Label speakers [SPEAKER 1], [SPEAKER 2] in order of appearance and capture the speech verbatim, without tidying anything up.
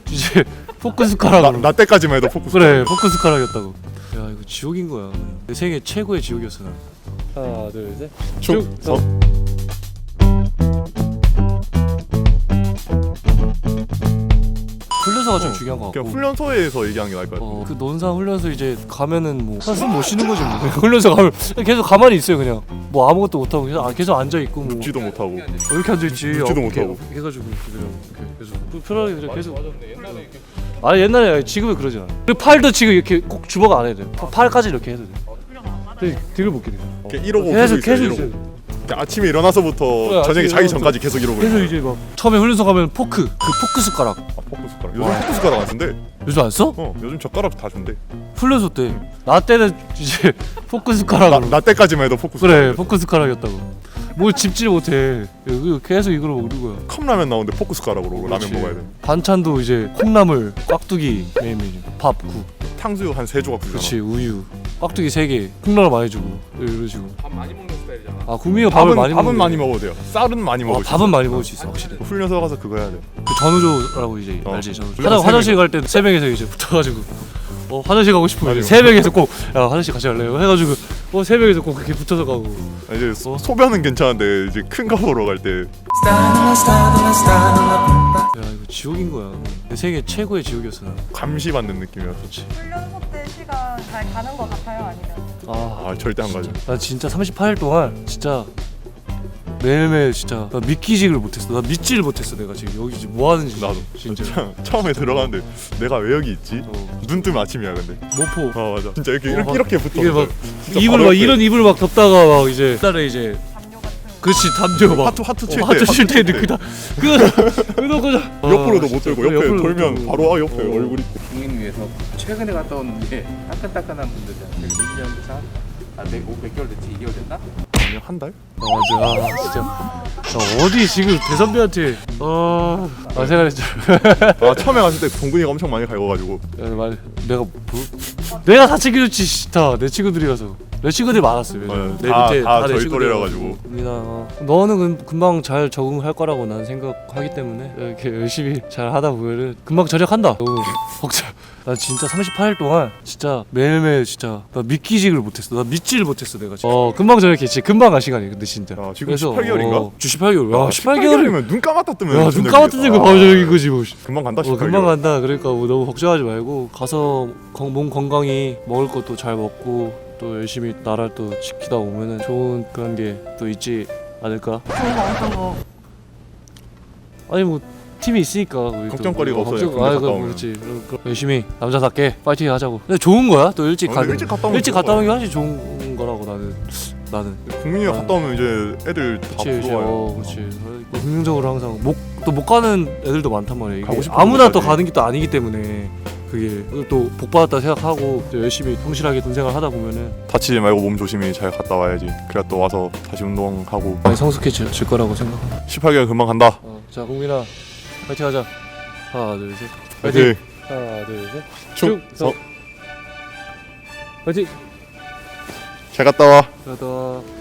[SPEAKER 1] 이제 포크 숟가락으로.
[SPEAKER 2] 나, 나 때까지만 해도 포크
[SPEAKER 1] 그래 포크 숟가락이었다고. 야 이거 지옥인 거야. 내 생애 최고의 지옥이었어 난. 하나 둘 셋.
[SPEAKER 2] 충성.
[SPEAKER 1] 훈련소가 좀 중요한 거 같고.
[SPEAKER 2] 그냥 훈련소에서 얘기하는 게 나을 것 같아.
[SPEAKER 1] 어, 그 논산 훈련소 이제 가면은 뭐 숨 못 쉬는 거지 뭐. 훈련소 가면 계속 가만히 있어요 그냥. 뭐 아무것도 못 하고 계속, 아, 계속 앉아 있고 뭐.
[SPEAKER 2] 묻지도 못하고.
[SPEAKER 1] 어, 이렇게 앉아 있지.
[SPEAKER 2] 묻지도
[SPEAKER 1] 어,
[SPEAKER 2] 못하고.
[SPEAKER 1] 이렇게 해가지고 그냥 이렇게 계속 그 편하게 그냥 계속. 아 옛날에 지금은 그러지 않아. 그리고 팔도 지금 이렇게 꼭 주먹 안 해도 돼. 파- 팔까지 이렇게 해도 돼. 근데 뒤를 못 끼네.
[SPEAKER 2] 이러고
[SPEAKER 1] 계속
[SPEAKER 2] 계속
[SPEAKER 1] 계속
[SPEAKER 2] 있어요.
[SPEAKER 1] 있어요.
[SPEAKER 2] 이러고. 아침에 일어나서부터
[SPEAKER 1] 그래,
[SPEAKER 2] 저녁에
[SPEAKER 1] 아침에
[SPEAKER 2] 자기
[SPEAKER 1] 일어나서
[SPEAKER 2] 전까지 계속 이러고.
[SPEAKER 1] 그래서
[SPEAKER 2] 있어요.
[SPEAKER 1] 이제 막 처음에 훈련소 가면 포크 그 포크 숟가락
[SPEAKER 2] 아, 포크 숟가락. 요즘 포크 숟가락 안 쓴대.
[SPEAKER 1] 요즘 안 써?
[SPEAKER 2] 어, 요즘 젓가락 다 준대.
[SPEAKER 1] 훈련소 때 나 때는 이제 포크
[SPEAKER 2] 나,
[SPEAKER 1] 숟가락으로.
[SPEAKER 2] 나 때까지만 해도 포크 숟가락.
[SPEAKER 1] 그래 포크 숟가락이었다고. 뭘 집질 못해. 이거 계속 이걸로 먹는 거야.
[SPEAKER 2] 컵라면 나오는데 포크 숟가락으로 라면
[SPEAKER 1] 그렇지.
[SPEAKER 2] 먹어야 돼.
[SPEAKER 1] 반찬도 이제 콩나물, 깍두기 메인 메뉴, 밥, 국,
[SPEAKER 2] 탕수육 한 세 조각 주잖아.
[SPEAKER 1] 그렇지 우유, 깍두기 세 개, 콩나물 많이 주고 이런 식으로.
[SPEAKER 3] 밥 많이 먹는 스타일이잖아.
[SPEAKER 1] 아 국민이가 밥을
[SPEAKER 2] 밥은
[SPEAKER 1] 많이
[SPEAKER 2] 밥은
[SPEAKER 1] 먹는
[SPEAKER 2] 많이 먹어도 돼요. 쌀은 많이
[SPEAKER 1] 아,
[SPEAKER 2] 먹을 수 있어.
[SPEAKER 1] 밥은 많이 먹을 수 있어 확실히.
[SPEAKER 2] 훈련소 가서 그거 해야 돼.
[SPEAKER 1] 그 전우조라고 이제
[SPEAKER 2] 어.
[SPEAKER 1] 알지 전우조.
[SPEAKER 2] 훈련
[SPEAKER 1] 화장,
[SPEAKER 2] 세
[SPEAKER 1] 화장실 갈 때 세 명이서 이제 붙어가지고 어 화장실 가고 싶으면
[SPEAKER 2] 맞아.
[SPEAKER 1] 세 명이서 꼭 야 화장실 같이 갈래요 해가지고 어 세 명이서 꼭 그렇게 붙어서 가고.
[SPEAKER 2] 아, 이제 소, 소변은 괜찮은데 이제 큰 거 보러 갈 때
[SPEAKER 1] 야 이거 지옥인 거야. 내 생애 최고의 지옥이었어 난.
[SPEAKER 2] 감시받는 느낌이었어.
[SPEAKER 4] 훈련소 때 시간 잘 가는 것 같아요? 아니면?
[SPEAKER 1] 아,
[SPEAKER 2] 아 절대 안 가죠.
[SPEAKER 1] 나 진짜 삼십팔 일 동안 진짜 매일매일 진짜 나 믿기지를 못했어. 나 믿지를 못했어 내가 지금 여기 지금 뭐 하는지.
[SPEAKER 2] 나도
[SPEAKER 1] 진짜.
[SPEAKER 2] 참, 처음에 들어가는데 내가 왜 여기 있지?
[SPEAKER 1] 어.
[SPEAKER 2] 눈 뜨면 아침이야 근데.
[SPEAKER 1] 모포.
[SPEAKER 2] 아 맞아. 진짜 이렇게
[SPEAKER 1] 어,
[SPEAKER 2] 이렇게,
[SPEAKER 1] 막
[SPEAKER 2] 이렇게 붙어.
[SPEAKER 1] 이게 막
[SPEAKER 2] 진짜
[SPEAKER 1] 이불
[SPEAKER 2] 바로
[SPEAKER 1] 막
[SPEAKER 2] 옆에.
[SPEAKER 1] 이런 이불 막 덮다가 막 이제 딸에 이제
[SPEAKER 4] 담요 같은 거.
[SPEAKER 1] 그렇지 담요 막
[SPEAKER 2] 하트 하트 칠
[SPEAKER 1] 어,
[SPEAKER 2] 때.
[SPEAKER 1] 하트 칠 때 그다 그 그거
[SPEAKER 2] 옆으로도 못 들고 옆에 돌면 바로 아 옆에
[SPEAKER 1] 어.
[SPEAKER 2] 얼굴이.
[SPEAKER 3] 국민 위해서 최근에 갔다 온게 따끈따끈한 분들이야. 되게 민지한테 한 몇 개월 됐지? 이 개월 됐나?
[SPEAKER 2] 그냥 한 달?
[SPEAKER 1] 맞아 아, 진짜 아, 어디 지금 대선배한테 아, 아 생각했죠.
[SPEAKER 2] 아 처음에 갔을 때 동근이가 엄청 많이 갈궈가지고.
[SPEAKER 1] 말 내가 뭐 내가 다 챙겨줬지 싫다 내 친구들이라서 내 친구들이 많았어요.
[SPEAKER 2] 네,
[SPEAKER 1] 내
[SPEAKER 2] 다-
[SPEAKER 1] 밑에
[SPEAKER 2] 다
[SPEAKER 1] 내
[SPEAKER 2] 저희
[SPEAKER 1] 친구들이라서.
[SPEAKER 2] 또래라 가지고.
[SPEAKER 1] 민아 어. 너는 금, 금방 잘 적응할 거라고 난 생각하기 때문에 이렇게 열심히 잘 하다 보면은 금방 절약한다. 너무 걱정. 나 진짜 삼십팔 일 동안 진짜 매일매일 진짜 나 믿기지를 못했어. 나 믿지를 못했어 내가 진짜. 어 금방 절약했지. 금방 간 시간이 근데 진짜.
[SPEAKER 2] 야, 지금 십팔 개월인가?
[SPEAKER 1] 어, 십팔 개월. 야 십팔 개월이면
[SPEAKER 2] 개월이면 눈 감았다 뜨면.
[SPEAKER 1] 야눈
[SPEAKER 2] 무슨
[SPEAKER 1] 감았던
[SPEAKER 2] 얘기야.
[SPEAKER 1] 거 바로 절약인 거지 뭐.
[SPEAKER 2] 금방 간다
[SPEAKER 1] 어,
[SPEAKER 2] 십팔 개월.
[SPEAKER 1] 금방 간다. 그러니까 뭐 너무 걱정하지 말고 가서 건, 몸 건강히 먹을 것도 잘 먹고 또 열심히 나라를 또 지키다 오면은 좋은 그런 게 또 있지 않을까?
[SPEAKER 4] 좋은 거 어떤 거?
[SPEAKER 1] 아니 뭐 팀이 있으니까 우리 또
[SPEAKER 2] 걱정거리가
[SPEAKER 1] 뭐
[SPEAKER 2] 없어요,
[SPEAKER 1] 걱정,
[SPEAKER 2] 군대
[SPEAKER 1] 아
[SPEAKER 2] 갔다
[SPEAKER 1] 그
[SPEAKER 2] 오면.
[SPEAKER 1] 그렇지. 그럼, 그럼 열심히 남자답게 파이팅 하자고. 근데 좋은 거야. 또 일찍
[SPEAKER 2] 어,
[SPEAKER 1] 가는.
[SPEAKER 2] 일찍 갔다 오면
[SPEAKER 1] 일찍
[SPEAKER 2] 좋은
[SPEAKER 1] 갔다 오는 게
[SPEAKER 2] 거야.
[SPEAKER 1] 훨씬 좋은 거라고 나는 나는.
[SPEAKER 2] 국민이가
[SPEAKER 1] 아.
[SPEAKER 2] 갔다 오면 이제 애들 다
[SPEAKER 1] 그렇지, 그렇지.
[SPEAKER 2] 부러워요.
[SPEAKER 1] 어, 그렇지. 긍정적으로 항상 못 또 못 가는 애들도 많단 말이야. 이게
[SPEAKER 2] 가고 싶은
[SPEAKER 1] 아무나 또
[SPEAKER 2] 곳까지.
[SPEAKER 1] 가는 게 또 아니기 때문에 그게 또 복 받았다 생각하고 또 열심히 성실하게 돈 생활 하다 보면은
[SPEAKER 2] 다치지 말고 몸 조심히 잘 갔다 와야지. 그래야 또 와서 다시 운동하고.
[SPEAKER 1] 많이 성숙해질 거라고 생각.
[SPEAKER 2] 십팔 개월 금방 간다.
[SPEAKER 1] 어, 자 국민아 파이팅 하자. 하나 둘 셋.
[SPEAKER 2] 파이팅.
[SPEAKER 1] 하나 둘 셋.
[SPEAKER 2] 충성.
[SPEAKER 1] 파이팅.
[SPEAKER 2] 잘 갔다 와.
[SPEAKER 1] 가다.